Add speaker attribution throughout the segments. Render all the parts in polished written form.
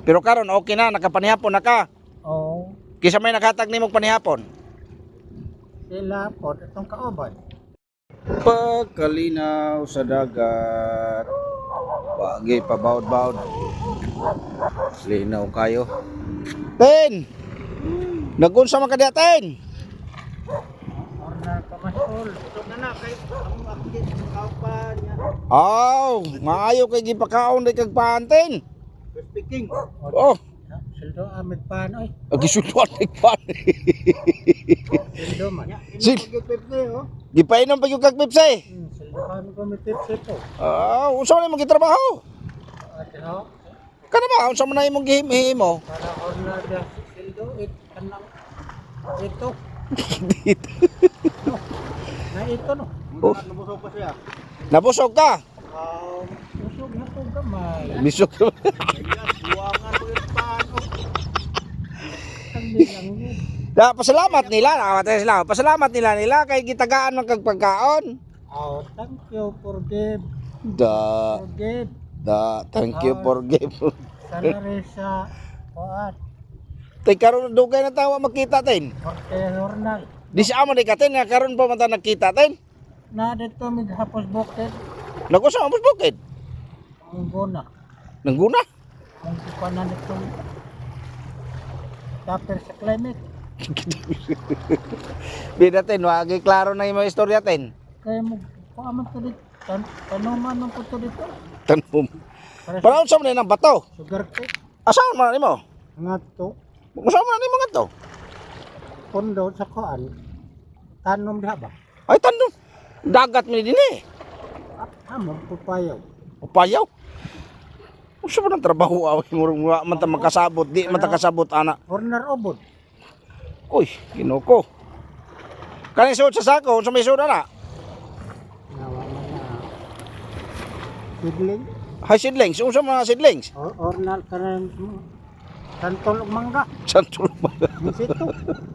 Speaker 1: Pero karon okay na, nakapanihapon na ka.
Speaker 2: Oo.
Speaker 1: Kisa may nakatag nimong panihapon.
Speaker 2: Sila po, itong kaubad.
Speaker 1: Pagkalinaw sa dagat. Wagi pabawd-bawd. Linaw kayo. Ten! Nagunsa man ka diha, Ten?
Speaker 2: Order ka masul. Ito na kay ang update ng kaupan niya.
Speaker 1: Aw, maayo kay gipakaon day kag paanten.
Speaker 2: Speaking.
Speaker 1: Oh,
Speaker 2: Sildo amig pan oy.
Speaker 1: agisutuan kay pan.
Speaker 2: Sildo man.
Speaker 1: Sil, gipainom pa yung kag Pepsi.
Speaker 2: Sildo kami komited sito.
Speaker 1: Ah, unsa man imong gitrabaho?
Speaker 2: Ano?
Speaker 1: Kana ba unsa man na imong gihimo?
Speaker 2: Para order dia sildo kanang ito.
Speaker 1: Dito.
Speaker 2: No. Na ito no.
Speaker 1: Oh.
Speaker 2: Nabusog pa siya.
Speaker 1: Nabusog ka?
Speaker 2: Busog na to gamay.
Speaker 1: Bisog.
Speaker 2: Buwangan ko yung pano. Hindi lang yun.
Speaker 1: Da, pasalamat nila, nakawatay sila. Pasalamat nila kay gitagaan ng kag pagkaon.
Speaker 2: Oh, thank you for give.
Speaker 1: Da,
Speaker 2: Forgive.
Speaker 1: thank you for give.
Speaker 2: Sana rin sa kuat.
Speaker 1: Tay karon dugay na tawa makita tin.
Speaker 2: Orte Hornal.
Speaker 1: Di siya mo di katin nga karon pa man ta nakita tin.
Speaker 2: Na dito mig hapos bukid.
Speaker 1: Nagusa mo bukid.
Speaker 2: Ang guna.
Speaker 1: Nangguna.
Speaker 2: Ang kupanan itong tapir sa climate.
Speaker 1: Bida tin, wagi klaro na imong istorya tin.
Speaker 2: Kaya mo paaman to dito. Tanuman ng puto dito.
Speaker 1: Tanom.
Speaker 2: Para sa
Speaker 1: Para unsa man nang bato?
Speaker 2: sugar cake.
Speaker 1: Asaon man nimo?
Speaker 2: Nga to.
Speaker 1: Unsa man nimo ngadto?
Speaker 2: Pondo sa kuan. Tanom diha ba?
Speaker 1: Ay tanom. Dagat mi dinhi.
Speaker 2: Amon pupayaw.
Speaker 1: Upayaw. Unsa man ang trabaho aw murag man ta makasabot, di man ta kasabot ana.
Speaker 2: Horner obod.
Speaker 1: Uy, kinuko. Kani suot sa sako, unsa may suot ana?
Speaker 2: Nawa man na. Sidling.
Speaker 1: Hay seedlings, unsa man seedlings?
Speaker 2: Ornal kanang kantol ug mangga.
Speaker 1: Santul ba?
Speaker 2: Bisito.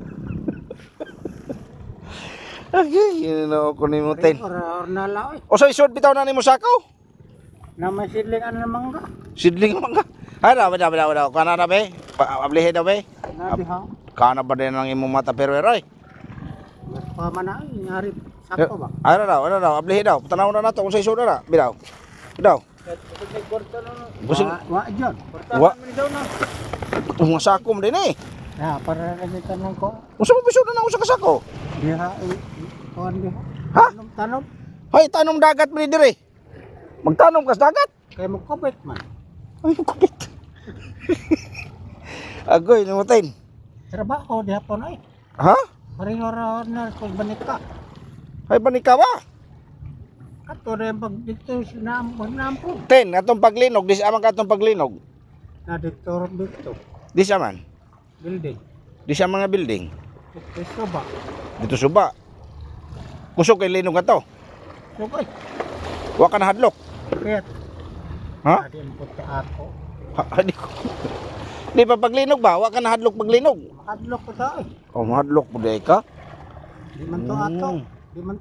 Speaker 1: Ay, yun ko nimo ten.
Speaker 2: Ornal oy.
Speaker 1: O sa isod bitaw na nimo sako?
Speaker 2: Na may sidling ano ng mangga.
Speaker 1: Seedling man ka. Ay, daw. Kana na be? Ablihe daw be?
Speaker 2: Na diha.
Speaker 1: Kana ba din ang imong mata pero eroy?
Speaker 2: Mas pa man na nyari sako ba.
Speaker 1: Ay, daw. Ablihe daw. Tanaw na nato kung sa isod na. Bitaw. Daw. Busing.
Speaker 2: Wa jud.
Speaker 1: Wa.
Speaker 2: Man daw na.
Speaker 1: Mga sako mo din eh.
Speaker 2: Ya para lagi tanong ko.
Speaker 1: Unsa mo bisod na usa ka sako?
Speaker 2: Diha kuan diha.
Speaker 1: Ha?
Speaker 2: Tanom.
Speaker 1: Hay, tanong dagat mo dire. Magtanom ka sa dagat.
Speaker 2: Kay mo kopet man.
Speaker 1: Ay, kupit. Agoy, namutin.
Speaker 2: Trabaho diha po na
Speaker 1: Ha?
Speaker 2: Pareho ra na kung banika.
Speaker 1: Ay, panika ba?
Speaker 2: Kato rin pag dito sinampo.
Speaker 1: Ten, atong paglinog. Di siya man ka atong paglinog.
Speaker 2: Na dito
Speaker 1: Di siya man.
Speaker 2: building.
Speaker 1: Di siya mga building.
Speaker 2: Ito ba?
Speaker 1: Dito suba. Kusog kay linog ka to.
Speaker 2: So boy.
Speaker 1: Wa ka na hadlok.
Speaker 2: Kaya
Speaker 1: Ha?
Speaker 2: adi ang puti ako.
Speaker 1: Ha, di ko. Di pa paglinog ba? Wa ka na hadlok paglinog.
Speaker 2: Makadlok ko sa ay.
Speaker 1: O, mahadlok po di ka.
Speaker 2: Di man to ato. Di man.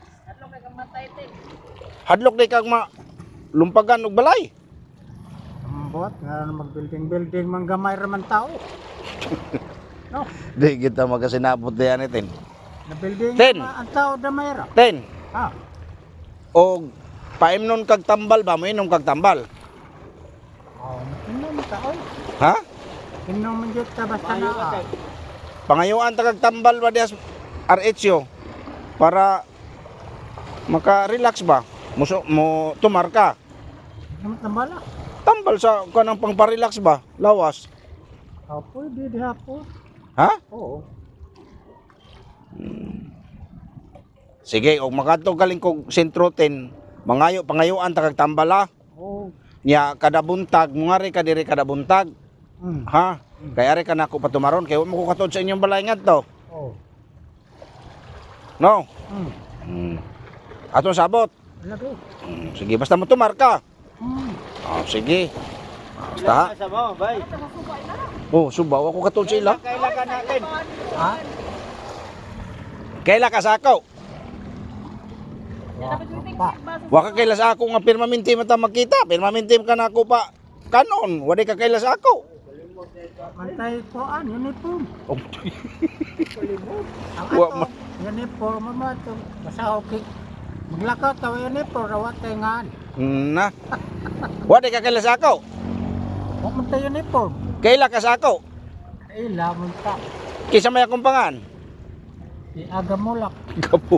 Speaker 1: Hadlok di kag lumpagan og balay.
Speaker 2: Ambot nga mag-building man gamay ra man tao. No,
Speaker 1: Di kita magasinabot diyan itin.
Speaker 2: na building
Speaker 1: Ten.
Speaker 2: ang tao damay ra.
Speaker 1: Ten.
Speaker 2: Ha.
Speaker 1: Og paimnon kag tambal ba? Mainom kag tambal.
Speaker 2: Oh, inom tao.
Speaker 1: Ha?
Speaker 2: Inom man jud ta basta na.
Speaker 1: Pangayuan ta kag tambal ba dias RHO para maka-relax ba? Mo tumar ka.
Speaker 2: Inom tambala.
Speaker 1: Tambal sa kanang pangpa-relax ba? Lawas.
Speaker 2: Oh, pwede diha po.
Speaker 1: Ha?
Speaker 2: Oo.
Speaker 1: Sige, og makadto galing kog sentro 10, pangayuan ta kag tambal ha.
Speaker 2: Oh.
Speaker 1: Nya kada buntag, mungari ka diri kada buntag. Ha? Kay ari ka nako patumaron kay wa mo ko katod sa inyong balay ngadto.
Speaker 2: Oh.
Speaker 1: No.
Speaker 2: Mm.
Speaker 1: Atong sabot.
Speaker 2: Lagi.
Speaker 1: Sige, basta mo tumar ka.
Speaker 2: Mm.
Speaker 1: Oh, sige. Basta.
Speaker 2: Sa mo, bay.
Speaker 1: Oh, subaw ako katod sa ila.
Speaker 2: Kailan ka natin? Ha?
Speaker 1: Kaila ka sa ako.
Speaker 2: Pa.
Speaker 1: Wa ka kaila sa ako nga permanente man ta magkita. Permanente ka na ako pa kanon. Wa di ka kaila sa ako.
Speaker 2: Mantay ko uniform.
Speaker 1: Oh,
Speaker 2: Ang
Speaker 1: Wa
Speaker 2: ato,
Speaker 1: ma-
Speaker 2: uniform mo ito. Basta okay. Maglakaw tayo uniform, rawat tayo nga.
Speaker 1: na. Wa di ka kaila sa ako.
Speaker 2: Huwag mo tayo uniform.
Speaker 1: Kaila ka sa ako.
Speaker 2: Ila mo ta.
Speaker 1: Kisa may akong pangan.
Speaker 2: Di aga mulak.
Speaker 1: Gapo.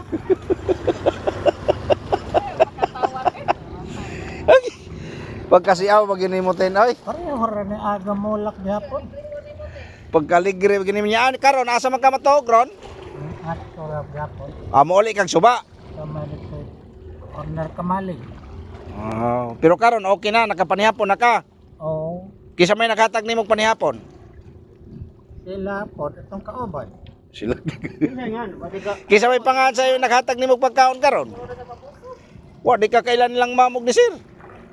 Speaker 1: Pagkasiaw pag ginimotin oy.
Speaker 2: Pareho rin ni aga mulak gihapon.
Speaker 1: Pagkaligre ginim niya karon asa man ka matuog ron?
Speaker 2: At ora gihapon.
Speaker 1: Amo uli kag suba.
Speaker 2: Kamali ko. Corner kamali.
Speaker 1: Oh, pero karon okay na nakapanihapon na ka.
Speaker 2: Oo.
Speaker 1: Kisa may nakatag nimog panihapon.
Speaker 2: Sila po, itong kaobay.
Speaker 1: Sila.
Speaker 2: Sila nga, pati ka.
Speaker 1: Kisa may pangan sa iyo nakatag nimog pagkaon karon. Wa di ka kailan nilang mamog ni sir.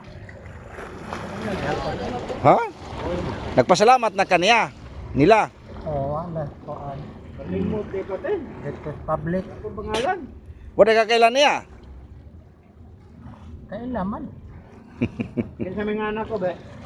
Speaker 1: Ha? Nagpasalamat na kaniya nila.
Speaker 2: Oo, wala. Koan. Kalimot dito din. Dito public. Ako pangalan.
Speaker 1: Wa di ka kailan niya.
Speaker 2: Kailaman. Kinsa may nga anak ko, be?